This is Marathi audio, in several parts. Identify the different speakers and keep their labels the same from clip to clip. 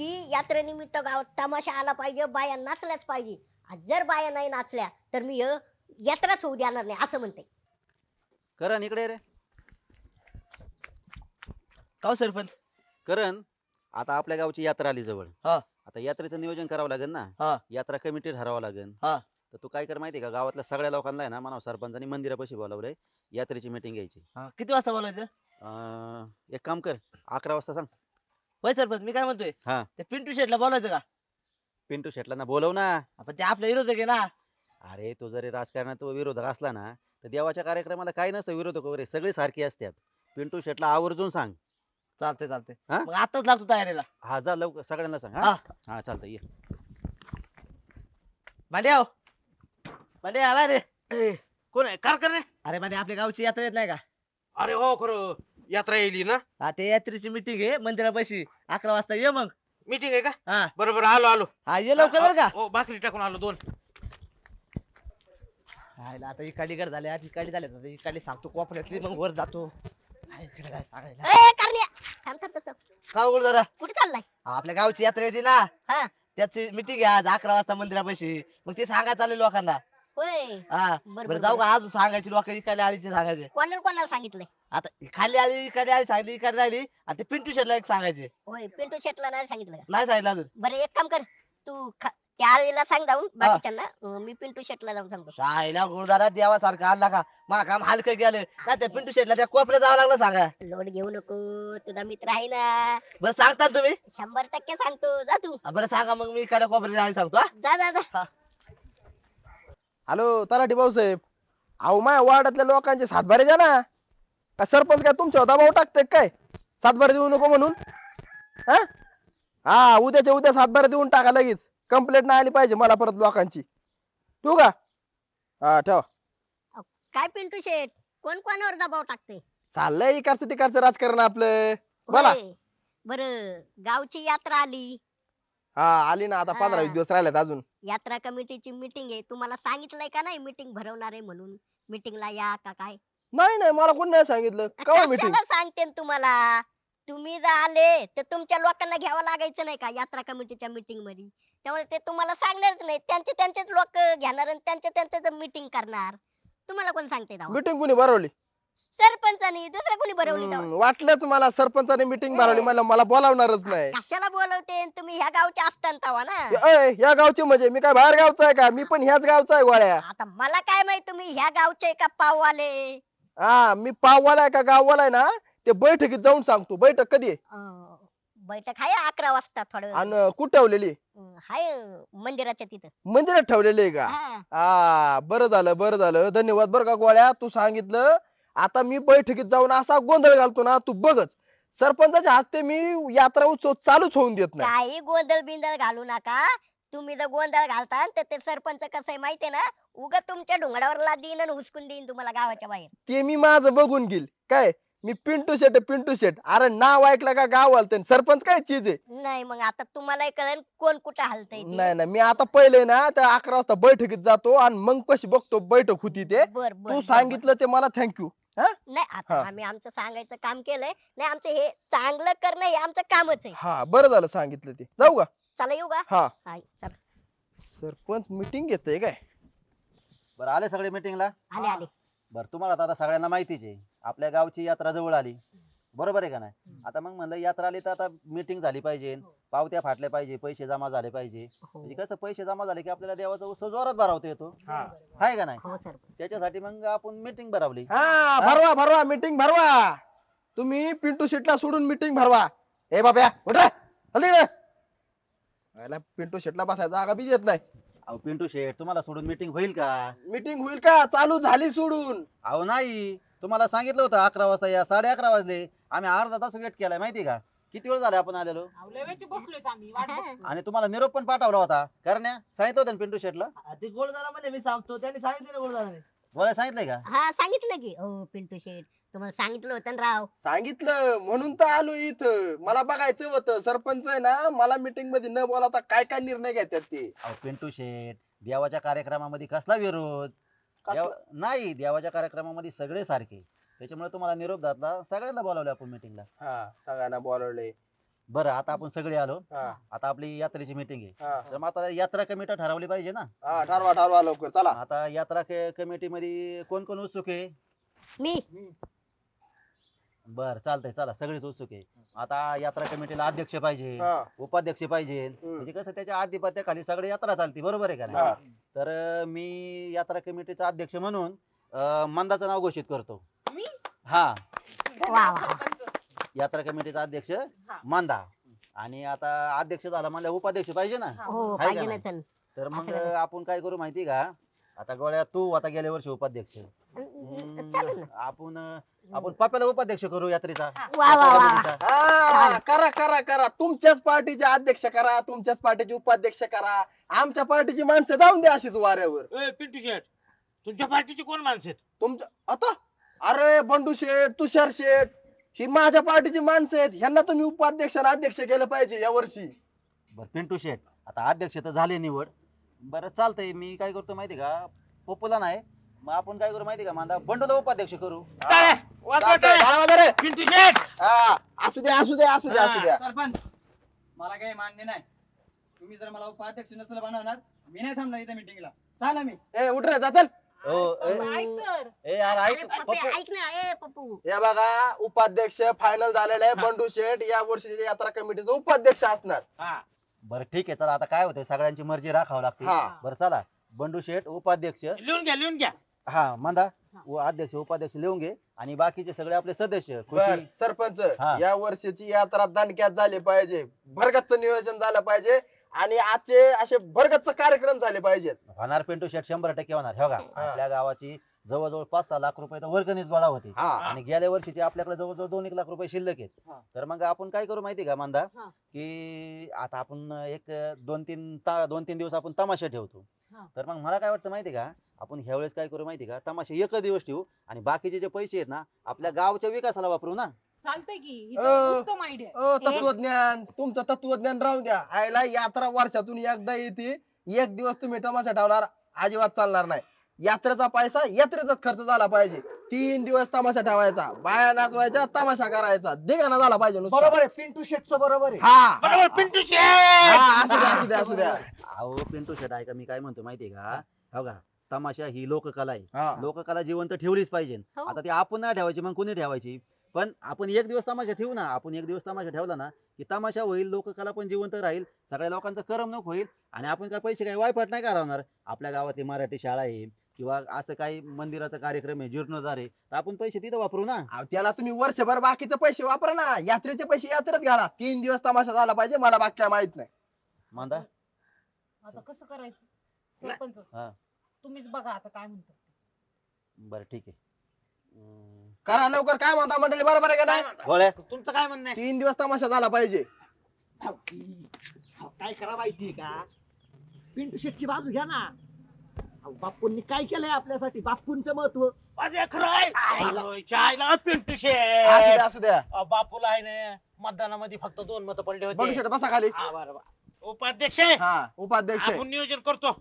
Speaker 1: की यात्रेनिमित्त गावात तमाशा आला पाहिजे, बाया नाचल्याच पाहिजे. आणि जर बाया नाही नाचल्या तर मी यात्राच होऊ देणार नाही असं म्हणते.
Speaker 2: करण इकडे ये रे.
Speaker 3: का हो सरपंच?
Speaker 2: करण, आता आपल्या गावची यात्रा आली जवळ.
Speaker 3: हा
Speaker 2: आता यात्रेचं नियोजन करावं लागेल ना.
Speaker 3: हा
Speaker 2: यात्रा कमिटी ठरवावं लागेल.
Speaker 3: हा
Speaker 2: तर तू काय कर माहितीये का, गावातल्या सगळ्या लोकांना आहे ना म्हणा सरपंचानी मंदिरापाशी बोलावलंय, यात्रेची मीटिंग घ्यायची.
Speaker 3: हा किती वाजता बोलायचं?
Speaker 2: एक काम कर, 11 वाजता सांग.
Speaker 3: होय सरपंच, मी काय म्हणतोय,
Speaker 2: हा,
Speaker 3: ते पिंटू शेटला बोलायचं का?
Speaker 2: पिंटू शेटला ना बोलव ना.
Speaker 3: आपण ते आपल्या विरोधक आहे ना.
Speaker 2: अरे तो जरी राजकारणात तो विरोधक असला ना, तर देवाच्या कार्यक्रमाला काही नसतं विरोधक वगैरे, सगळे सारखी असतात. पिंटू शेटला आवर्जून सांग.
Speaker 3: चालतंय चालतंय.
Speaker 2: हा?
Speaker 3: मग आताच लागतो तयारीला.
Speaker 2: हा जा लवकर सगळ्यांना सांग. हा
Speaker 3: हा
Speaker 2: हा चालतंय ये.
Speaker 3: भांड्याव, भांड्या बाहेर ये.
Speaker 4: कोण आहे कारकर रे?
Speaker 3: अरे भांड्या, आपल्या गावची यात्रा येत नाही का?
Speaker 4: अरे हो खरं, यात्रा येईल ना.
Speaker 3: हा, ते यात्रेची मीटिंग आहे मंदिरापाशी, 11 वाजता ये मग.
Speaker 4: मीटिंग आहे का?
Speaker 3: हा
Speaker 4: बरोबर आलो आलो.
Speaker 3: हा, ये लवकर बरं का.
Speaker 4: हो भाकरी टाकून आलो 2.
Speaker 3: हायला, आता इकडे गड झाले, आज इकडे झाले, आता इकडे सांगतो कोपऱ्यातली, मग वर जातो. हाय, इकडे काय सांगायला.
Speaker 1: ए करण्या, थांब थांब थांब थांब.
Speaker 3: का उघड दादा?
Speaker 1: कुठे चाललाय?
Speaker 3: आपल्या गावची यात्रा येते ना,
Speaker 1: हा
Speaker 3: त्याची मीटिंग आहे आज 11 वाजता मंदिरापाशी. मग ते सांगायचं आले लोकांना.
Speaker 1: होय.
Speaker 3: हा
Speaker 1: बरं,
Speaker 3: बरं, जाऊ का? अजून सांगायची लोक इकडे आलीचे सांगायचे.
Speaker 1: कोणाला कोणाला सांगितलंय?
Speaker 3: आता खाली आली, इकडे आली, सांगली, इकडे राहिली, आणि ते पिंटू शेटला एक सांगायचे.
Speaker 1: होय, पिंटू शेटला नाही सांगितलं का?
Speaker 3: नाही सांगितलं अजून.
Speaker 1: बरं एक काम कर, तू त्या आळीला सांग जाऊन बाकीच्यांना, मी पिंटू शेटला जाऊन सांगतो.
Speaker 3: शाळेला गुरुदारा देवासारखा आणला का, मला काम हलकं गेलं का, त्या पिंटू शेटला त्या कोपऱ्यात जावं लागलं सांगा.
Speaker 1: लोड घेऊ नको, तुझा मित्र आहे ना.
Speaker 3: बरं सांगता तुम्ही?
Speaker 1: 100% सांगतो, जा तू.
Speaker 3: बरं सांगा, मग मी इकडे कोपऱ्यात आली सांगतो. हा?
Speaker 1: जा जा जा.
Speaker 5: हॅलो तलाठी भाऊसाहेब, अहो माझ्या वार्डातल्या लोकांचे सातबारे द्या ना. का सरपंच काय तुमच्या दबाव टाकते काय सातबारे देऊ नको म्हणून? हा हा, उद्याच्या उद्या सातबारे देऊन टाका लगेच. कंप्लेंट नाही आली पाहिजे मला परत लोकांची. तू का? हा ठेवा.
Speaker 1: काय पिंटू शेट, कोण कोणावर दबाव टाकते?
Speaker 5: चाललंय इकडचं तिकडचं राजकारण आपलं. बोला.
Speaker 1: होय. बरं, गावची यात्रा आली,
Speaker 5: हा आली ना, आता 15-20 दिवस राहिलेत अजून.
Speaker 1: यात्रा कमिटीची मीटिंग आहे. तुम्हाला सांगितलंय का नाही मीटिंग भरवणार आहे म्हणून? मीटिंगला या का काय?
Speaker 5: नाही नाही, मला कोण नाही सांगितलं. कवा मीटिंग?
Speaker 1: कशाला सांगते न तुम्हाला? तुम्ही जर आले तर तुमच्या लोकांना घ्यावं लागायचं नाही का यात्रा कमिटीच्या मीटिंग मध्ये? त्यामुळे ते तुम्हाला सांगणारच नाही, त्यांचे त्यांचेच लोक घेणार आणि त्यांच्या त्यांच्याच मीटिंग करणार. तुम्हाला कोण सांगते तेव्हा?
Speaker 5: मीटिंग कुणी भरवली?
Speaker 1: सरपंचानी, दुसरं कोणी भरवली तेव्हा?
Speaker 5: वाटलंच मला सरपंचाने मीटिंग भरवली, मला बोलावणारच नाही.
Speaker 1: कशाला बोलवते? तुम्ही ह्या गावचे असताना तेव्हा ना.
Speaker 5: अय, या गावची म्हणजे मी काय बाहेर गावचा आहे का? मी पण ह्याच गावचा आहे गोळ्या.
Speaker 1: आता मला काय माहित तुम्ही ह्या गावचे का पाववाले?
Speaker 5: हा, मी पाववाला आहे का गाववाला आहे ना, ते बैठकीत जाऊन सांगतो. बैठक कधी आहे
Speaker 1: बैठक आहे 11 वाजता थोडं.
Speaker 5: आणि कुठं ठेवलेली?
Speaker 1: हाय मंदिराच्या तिथं.
Speaker 5: मंदिरात ठेवलेली आहे का?
Speaker 1: हा.
Speaker 5: हा, बरं झालं बरं झालं, धन्यवाद बरं का गोळ्या, तू सांगितलं. आता मी बैठकीत जाऊन असा गोंधळ घालतो ना, तू बघच. सरपंचाच्या हस्ते मी यात्रा उत्सव चालूच होऊन देत नाही.
Speaker 1: काही गोंधळ बिंदळ घालू नका. तुम्ही जर गोंधळ घालता तर ते सरपंच कसं आहे माहितीये ना, उगा तुमच्या डोंगरावर देईन आणि हुसकून देईन तुम्हाला गावाच्या बाहेर.
Speaker 5: ते मी माझं बघून घेईल. काय मी पिंटू शेट आहे, पिंटू शेट. अरे नाव ऐकलं का गाव हलतंय. सरपंच काय चीज आहे?
Speaker 1: नाही मग आता तुम्हाला कळेल कोण कुठं हलतय ते.
Speaker 5: नाही नाही, मी आता पहिले ना त्या 11 वाजता बैठकीत जातो आणि मग कशी बघतो बैठक होती ते.
Speaker 1: बर बर
Speaker 5: तू
Speaker 1: बर,
Speaker 5: सांगितलं ते मला थँक्यू.
Speaker 1: बर. नाही आता
Speaker 5: हा.
Speaker 1: आम्ही आमचं सांगायचं काम केलंय. नाही आमचं हे चांगलं करणं हे आमचं कामच आहे.
Speaker 5: हा बरं झालं सांगितलं ते. जाऊ का?
Speaker 1: चला येऊ का?
Speaker 5: हा.
Speaker 1: हाय चला.
Speaker 5: सरपंच मीटिंग घेतय काय?
Speaker 2: बरं आले सगळे मीटिंगला?
Speaker 1: आले आले.
Speaker 2: बरं तुम्हाला तर आता सगळ्यांना माहितीच आहे, आपल्या गावची यात्रा जवळ आली. बरोबर आहे का नाही? आता मग म्हणलं यात्रा आली तर आता मीटिंग झाली पाहिजे, पावत्या फाटल्या पाहिजे, पैसे जमा झाले पाहिजे. म्हणजे कसं पैसे जमा झाले की आपल्याला देवाचा उत्सव जोरात भरवता येतो. आहे का नाही?
Speaker 1: हो सर.
Speaker 2: त्याच्यासाठी मग आपण मीटिंग भरवली.
Speaker 5: हा भरवा भरवा, मीटिंग भरवा. तुम्ही पिंटू शेटला सोडून मीटिंग भरवा. ए बाब्या उठ रे, हल्ली रे. याला पिंटू शेटला बसायचा जागा बी देत नाही.
Speaker 2: अहो पिंटू शेठ, तुम्हाला सोडून मीटिंग होईल का?
Speaker 5: मीटिंग होईल का? चालू झाली सोडून.
Speaker 2: अहो नाही, तुम्हाला सांगितलं होतं 11 वाजता या, 11:30 वाजले. आम्ही अर्धा तास वेट केलाय माहिती का? किती वेळ झाला आपण आलेलो? आणि तुम्हाला निरोप पण पाठवला होता. कारण सांगितलं होतं ना पिंटू शेठला?
Speaker 3: ते गोळदारा म्हणजे मी सांगतो, त्यांनी सांगितलं गोळदाराने.
Speaker 2: बोलायला सांगितलंय का?
Speaker 1: हा सांगितलं की हो पिंटू शेठ, तुम्हाला सांगितलं होतं ना राव.
Speaker 5: सांगितलं म्हणून तर आलो इथं. मला बघायचं होतं सरपंच आहे ना, मला मीटिंग मध्ये न बोलावता काय काय निर्णय घेतात ते.
Speaker 2: अहो पिंटू शेठ, देवाच्या कार्यक्रमामध्ये कसला विरोध? नाही, देवाच्या कार्यक्रमामध्ये सगळे सारखे. त्याच्यामुळे तुम्हाला निरोप घातला, सगळ्यांना बोलावले आपण मीटिंगला.
Speaker 5: हा सगळ्यांना बोलवले.
Speaker 2: बरं आता आपण सगळे आलो.
Speaker 5: हा
Speaker 2: आता आपली यात्रेची मीटिंग आहे.
Speaker 5: हा
Speaker 2: तर मग आता यात्रा कमिटी ठरवली पाहिजे ना.
Speaker 5: हा, ठरवा ठरवा लवकर चला.
Speaker 2: आता यात्रा कमिटी मध्ये कोण कोण उत्सुक आहे?
Speaker 1: मी
Speaker 2: बर चालतंय, चला सगळेच उत्सुक आहे. आता यात्रा कमिटीला अध्यक्ष पाहिजे,
Speaker 5: हा.
Speaker 2: उपाध्यक्ष पाहिजे. म्हणजे कसं त्याच्या आधिपत्याखाली सगळी यात्रा चालते, बरोबर आहे का
Speaker 5: हा.
Speaker 2: नाही? तर मी यात्रा कमिटीचा अध्यक्ष म्हणून मंदाचं नाव घोषित करतो. हा,
Speaker 1: वा वा
Speaker 2: यात्रा कमिटीचा अध्यक्ष मंदा. आणि आता अध्यक्ष झाला म्हणजे उपाध्यक्ष पाहिजे ना.
Speaker 1: हो
Speaker 2: आहे का
Speaker 1: पाहिजे ना
Speaker 2: नाही?
Speaker 1: चल
Speaker 2: तर मग
Speaker 1: असं करायचं.
Speaker 2: आपण काय करू माहिती का? आता गोळ्या तू आता गेल्या वर्षी उपाध्यक्ष.
Speaker 1: चालेल ना.
Speaker 2: आपण पप्याला उपाध्यक्ष करू यात्रेचा.
Speaker 1: वा वा वा
Speaker 2: कमिटीचा.
Speaker 5: हा, करा करा करा, तुमच्याच पार्टीचे अध्यक्ष करा, तुमच्याच पार्टीचे उपाध्यक्ष करा. आमच्या पार्टीची माणसं जाऊन द्या अशीच वाऱ्यावर.
Speaker 4: पिंटू शेट तुमच्या पार्टीची कोण माणसं आहेत?
Speaker 5: तुमच्या आता अरे बंडू शेठ, तुषार शेठ, ही माझ्या पार्टीची माणसं आहेत. ह्यांना तुम्ही उपाध्यक्ष आणि अध्यक्ष केलं पाहिजे या वर्षी.
Speaker 2: बर पिंटू शेट आता अध्यक्ष तर झाले निवड. बरं चालतंय, मी काय करतो माहिती का? पप्पूला नाही, मग आपण काय करू माहिती का? मांदा बंडूला उपाध्यक्ष करू.
Speaker 4: टाळ्या, वाजवा
Speaker 5: चालतंय,
Speaker 4: टाळ्या.
Speaker 5: टाळा वगैरे.
Speaker 4: पिंटू शेट
Speaker 5: हा, असू द्या असू द्या असू द्या असू द्या.
Speaker 6: सरपंच मला काही मान्य नाही. तुम्ही जर मला उपाध्यक्ष नसेल बनवणार, मी नाही थांबणार इथे मीटिंगला. चाला मी.
Speaker 5: ए उठ रे, जा चल.
Speaker 2: यार ऐक
Speaker 1: पप्पू,
Speaker 2: पप्पू.
Speaker 1: ऐक ना ए पप्पू
Speaker 5: हे बघा उपाध्यक्ष फायनल झालेलं आहे. बंडू शेठ या वर्षीच्या यात्रा कमिटीचा उपाध्यक्ष असणार.
Speaker 2: बरं ठीक आहे, चला आता काय होतंय सगळ्यांची मर्जी राखावं लागते.
Speaker 5: हा.
Speaker 2: बरं चला, बंडू शेठ उपाध्यक्ष,
Speaker 4: लिहून घ्या लिहून घ्या.
Speaker 2: हा मंदा अध्यक्ष उपाध्यक्ष लिहून घे. आणि बाकीचे सगळे आपले सदस्य
Speaker 5: बर
Speaker 2: खुशी.
Speaker 5: सरपंच,
Speaker 2: हा.
Speaker 5: या वर्षीची यात्रा दणक्यात झाली पाहिजे, भरगतचं नियोजन झालं पाहिजे आणि आजचे असे भरगतच कार्यक्रम झाले पाहिजेत.
Speaker 2: होणार पिंटू शेठ 100% होणार. हे बघा आपल्या गावाची जवळजवळ 5-6 लाख रुपये तर वर्गणीच गोळा होती.
Speaker 5: हा.
Speaker 2: आणि गेल्या वर्षीचे आपल्याकडे जवळजवळ 2-1 लाख रुपये शिल्लक आहेत. तर मग आपण काय करू माहिती का मंदा?
Speaker 1: हा.
Speaker 2: की आता आपण एक 2-3 दिवस आपण तमाशा ठेवतो.
Speaker 1: हा.
Speaker 2: तर मग मला काय वाटतं माहिती का? आपण ह्या वेळेस काय करू माहिती का? तमाशा एक दिवस ठेवू आणि बाकीचे जे पैसे आहेत ना आपल्या गावच्या विकासाला वापरू ना.
Speaker 7: चालतंय की ही
Speaker 5: अ,
Speaker 7: तर उत्तम आयडिया.
Speaker 5: तत्वज्ञान, तुमचं तत्वज्ञान राहू द्या. आयला यात्रा वर्षातून एकदा येते, एक दिवस तुम्ही तमाशा ठेवणार, अजिबात चालणार नाही. यात्रेचा पैसा यात्रेचाच खर्च झाला पाहिजे. 3 दिवस तमाशा ठेवायचा, बाया नाचवायच्या, तमाशा करायचा, दिगाना झाला पाहिजे नुसता.
Speaker 3: बरोबर आहे पिंटू शेटचं बरोबर आहे.
Speaker 5: हा
Speaker 4: बरोबर पिंटू शेट.
Speaker 5: हा, असू द्या असू द्या असू द्या.
Speaker 2: अहो पिंटू शेठ ऐका मी काय म्हणतो माहितीये का? हो का, तमाशा ही लोककला आहे.
Speaker 5: हा.
Speaker 2: लोककला जिवंत ठेवलीच पाहिजे.
Speaker 1: हो.
Speaker 2: आता ती आपण नाही ठेवायची मग कोणी ठेवायची? पण आपण एक दिवस तमाशा ठेवू ना. आपण एक दिवस तमाशा ठेवला ना की तमाशा होईल, लोककला पण जिवंत राहील, सगळ्या लोकांचं करमणूक होईल. आणि आपण काय पैसे काय वायफट नाही करणार. आपल्या गावातली मराठी शाळा आहे किंवा असं काही मंदिराचा कार्यक्रम आहे, जीर्णोद्धार आहे, तर आपण पैसे तिथं वापरू ना.
Speaker 5: अहो, त्याला तुम्ही वर्षभर बाकीचे पैसे वापरा ना. यात्रेचे पैसे यात्रेत घाला. 3 दिवस तमाशा झाला पाहिजे. मला बाकी काय माहित नाही.
Speaker 2: मांदा
Speaker 7: आता कसं करायचं सरपंच?
Speaker 2: हा.
Speaker 7: तुम्हीच बघा आता काय म्हणतात.
Speaker 2: बरं ठीक आहे.
Speaker 5: करा लवकर. काय म्हणता मंडळी, बरोबर आहे का नाही?
Speaker 2: गोळ्या
Speaker 4: तुमचं काय म्हणणं आहे?
Speaker 5: 3 दिवस तमाशा झाला पाहिजे.
Speaker 3: काय करा माहितीये का? पिंटू शेटची बाजू घ्या ना. अहो, बापूंनी काय केलंय आपल्यासाठी? बापूंचं महत्व.
Speaker 4: अरे खरं आहे. चायला पिंटू
Speaker 5: असू
Speaker 4: शेट.
Speaker 5: द्या असू द्या.
Speaker 4: बापूला आहे ना मतदानामध्ये फक्त 2 मतं पडले
Speaker 5: बंडू
Speaker 4: होते.
Speaker 5: शेट बसा खाली.
Speaker 4: उपाध्यक्ष आहे.
Speaker 5: हा, उपाध्यक्ष आहे.
Speaker 4: आपण नियोजन करतो.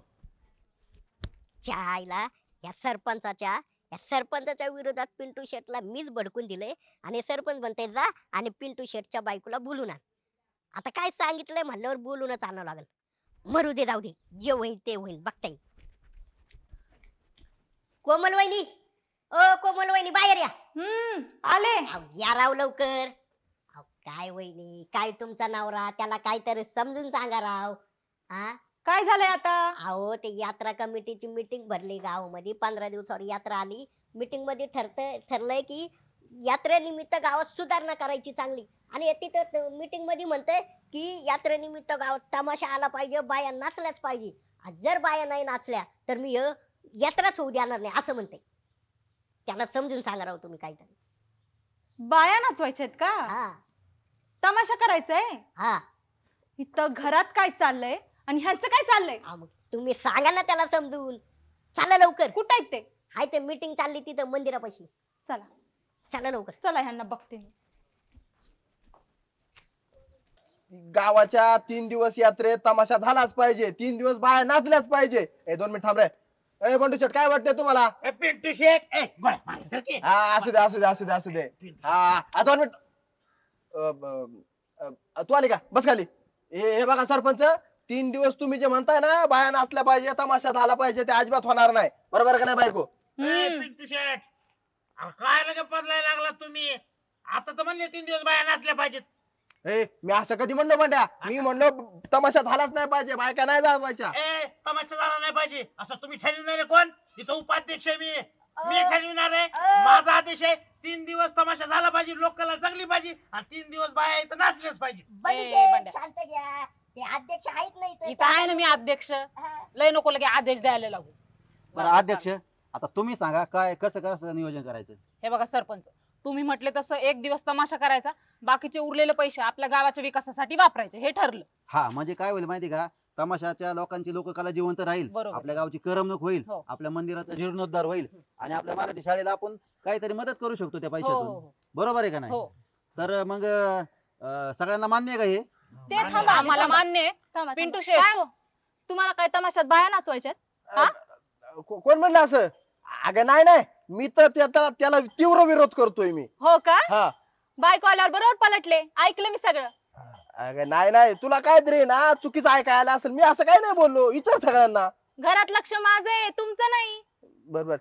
Speaker 1: चायला या सरपंचाच्या विरोधात पिंटू शेटला मीच भडकून दिले आणि सरपंच म्हणते जा आणि पिंटू शेटच्या बायकोला बोलून आण. आता काय सांगितलंय म्हणल्यावर बोलूनच आणावं लागल. मरू दे, जाऊ दे, जे होईल ते होईल, बघता येईल. कोमल वहिनी, ओ कोमल वहिनी बाहेर या.
Speaker 7: आले.
Speaker 1: अहो, या राव लवकर. अहो, काय वहिनी, काय तुमचा नवरा, त्याला काहीतरी समजून सांगा राव. हा,
Speaker 7: काय झालंय आता?
Speaker 1: अहो ते यात्रा कमिटीची मीटिंग भरली गावामध्ये. 15 दिवसावर यात्रा आली. मीटिंग मध्ये ठरलंय की यात्रेनिमित्त गावात सुधारणा करायची चांगली. आणि तिथं मीटिंग मध्ये म्हणतंय की यात्रेनिमित्त गावात तमाशा आला पाहिजे, बाया नाचल्याच पाहिजे. आज जर बाया नाही नाचल्या तर मी यात्राच होऊ देणार नाही असं म्हणते. त्याला समजून सांगा राव तुम्ही काहीतरी.
Speaker 7: बाया नाचवायच्यात का?
Speaker 1: हा
Speaker 7: तमाशा करायचाय?
Speaker 1: हा.
Speaker 7: इथं घरात काय चाललंय आणि ह्यांचं काय चाललंय?
Speaker 1: मग तुम्ही सांगा ना त्याला समजून. चला लवकर.
Speaker 7: कुठं आहेत ते?
Speaker 1: हाय ते मीटिंग चालली तिथं मंदिरापाशी.
Speaker 7: चला
Speaker 1: चला लवकर.
Speaker 7: चला ह्यांना बघते मी.
Speaker 5: गावाच्या 3 दिवस यात्रेत तमाशा झालाच पाहिजे. 3 दिवस बाया नाचल्याच पाहिजे. 2 मिनिट थांब रे. ए बंडू शेट काय वाटतंय तुम्हाला?
Speaker 4: पिंटू शेट. गोळ्या, माझ्यासारखी.
Speaker 5: हा, असू दे असू दे असू दे असू दे. हा, 2 मिनिट. तू आली का बस खाली. हे बघा सरपंच, 3 दिवस तुम्ही जे म्हणताय ना बाया नाचल्या पाहिजे तमाशा झाला पाहिजे ते अजिबात होणार नाही. बरोबर का नाही बायको?
Speaker 4: पिंटू शेट अहो, काय लगे बदलायला लागला तुम्ही? आता तर म्हणले 3 दिवस बाया नाचल्या पाहिजेत.
Speaker 5: मी असं कधी म्हणलो म्हणत्या? मी म्हणलो तमाशा झालाच नाही पाहिजे, बायका नाही जायच्या.
Speaker 4: तमाशा झाला नाही पाहिजे असं तुम्ही ठरविणार आहे कोण? इथं उपाध्यक्ष आहे मी ठरविणार आहे. माझा आदेश आहे 3 दिवस तमाशा झाला पाहिजे, लोकांना जगली पाहिजे आणि 3 दिवस बाया इथं नाचल्याच पाहिजे.
Speaker 1: बंडशेठ,
Speaker 8: बंड्या.
Speaker 1: शांत घ्या. ते अध्यक्ष आहेत नाही इथं.
Speaker 8: इथं आहे ना मी अध्यक्ष.
Speaker 1: हा.
Speaker 8: लय नको लगे आदेश द्यायला लागू.
Speaker 2: बरं अध्यक्ष, आता तुम्ही सांगा काय कसं कसं नियोजन करायचं?
Speaker 8: हे बघा सरपंच, तुम्ही म्हटले तसं 1 दिवस तमाशा करायचा, बाकीचे उरलेले पैसे आपल्या गावाच्या विकासासाठी वापरायचे हे ठरलं.
Speaker 2: हा म्हणजे काय होईल माहिती का, तमाशाच्या लोकांची लोककला जिवंत राहील,
Speaker 8: बरोबर.
Speaker 2: आपल्या गावची करमणूक होईल,
Speaker 8: हो.
Speaker 2: आपल्या मंदिराचा जीर्णोद्धार होईल आणि आपल्या मराठी शाळेला आपण काहीतरी मदत करू शकतो त्या
Speaker 8: हो हो
Speaker 2: पैशातून.
Speaker 8: हो.
Speaker 2: बरोबर आहे का नाही?
Speaker 8: हो
Speaker 2: तर मग सगळ्यांना मान्य आहे का हे?
Speaker 7: ते थांबा
Speaker 8: आम्हाला
Speaker 7: थांबा.
Speaker 8: मान्य आहे.
Speaker 7: थांबा,
Speaker 8: पिंटू
Speaker 7: थांबा.
Speaker 8: शेठ.
Speaker 7: काय हो? तुम्हाला काय तमाशात बाया नाचवायच्यात? हा?
Speaker 5: कोण म्हणलं असं? अगं नाही नाही, मी तर त्याला तीव्र विरोध करतोय मी.
Speaker 7: हो का?
Speaker 5: हा.
Speaker 7: बायको आल्यावर बरोबर पलटले, ऐकलं मी सगळं.
Speaker 5: अगं नाही नाही, तुला काहीतरी ना चुकीचं ऐकायला असेल. मी असं काही नाही बोललो, विचार सगळ्यांना.
Speaker 7: घरात लक्ष माझं आहे, तुमचं नाही.
Speaker 5: बरोबर.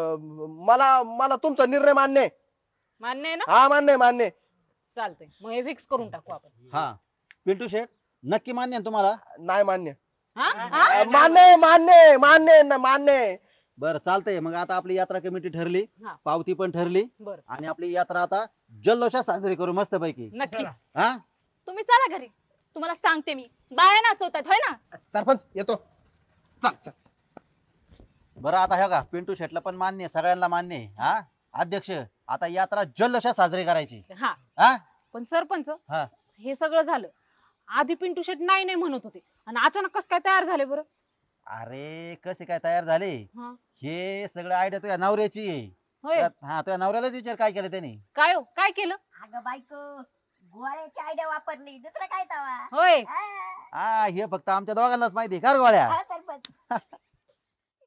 Speaker 5: मला तुमचा निर्णय मान्य आहे.
Speaker 8: मान्य आहे ना?
Speaker 5: हा मान्य आहे, मान्य आहे.
Speaker 8: चालतंय मग हे फिक्स करून टाकू आपण.
Speaker 2: हा पिंटू शेठ नक्की मान्य आहे तुम्हाला?
Speaker 5: नाही मान्य.
Speaker 8: हा?
Speaker 5: मान्य आहे, मान्य आहे, मान्य आहे ना, मान्य आहे.
Speaker 2: बरं चालतंय. मग आता आपली यात्रा कमिटी ठरली,
Speaker 8: हा.
Speaker 2: पावती पण ठरली
Speaker 8: बरं
Speaker 2: आणि आपली यात्रा आता जल्लोषात साजरी करू मस्त पैकी.
Speaker 8: नक्की.
Speaker 2: हा
Speaker 7: तुम्ही चला घरी, तुम्हाला सांगते मी. बाया नाचवतात होय ना?
Speaker 5: सरपंच येतो. चल चल.
Speaker 2: बरं आता हे का पिंटू शेटला पण मान्य आहे, सगळ्यांना मान्य आहे. हा अध्यक्ष, आता यात्रा जल्लोषात साजरी करायची.
Speaker 8: हा
Speaker 2: हा
Speaker 8: पण सरपंच,
Speaker 2: हा.
Speaker 8: हे सगळं झालं, आधी पिंटू शेट नाही नाही म्हणत होते आणि अचानक कस काय तयार झाले बरं?
Speaker 2: अरे कसे काय तयार झाले?
Speaker 8: हा.
Speaker 2: हे सगळं आयडिया तुझ्या नवऱ्याची आहे.
Speaker 8: होय.
Speaker 2: हा तुझ्या नवऱ्यालाच विचार काय केलं त्याने.
Speaker 8: काय हो काय केलं?
Speaker 1: अगं बायको, गोळ्याची आयडिया वापरली, दुसरं काय तवा.
Speaker 8: होय.
Speaker 1: हा.
Speaker 2: हा हे फक्त आमच्या दोघांनाच माहिती आहे का रे गोळ्या?
Speaker 1: हा,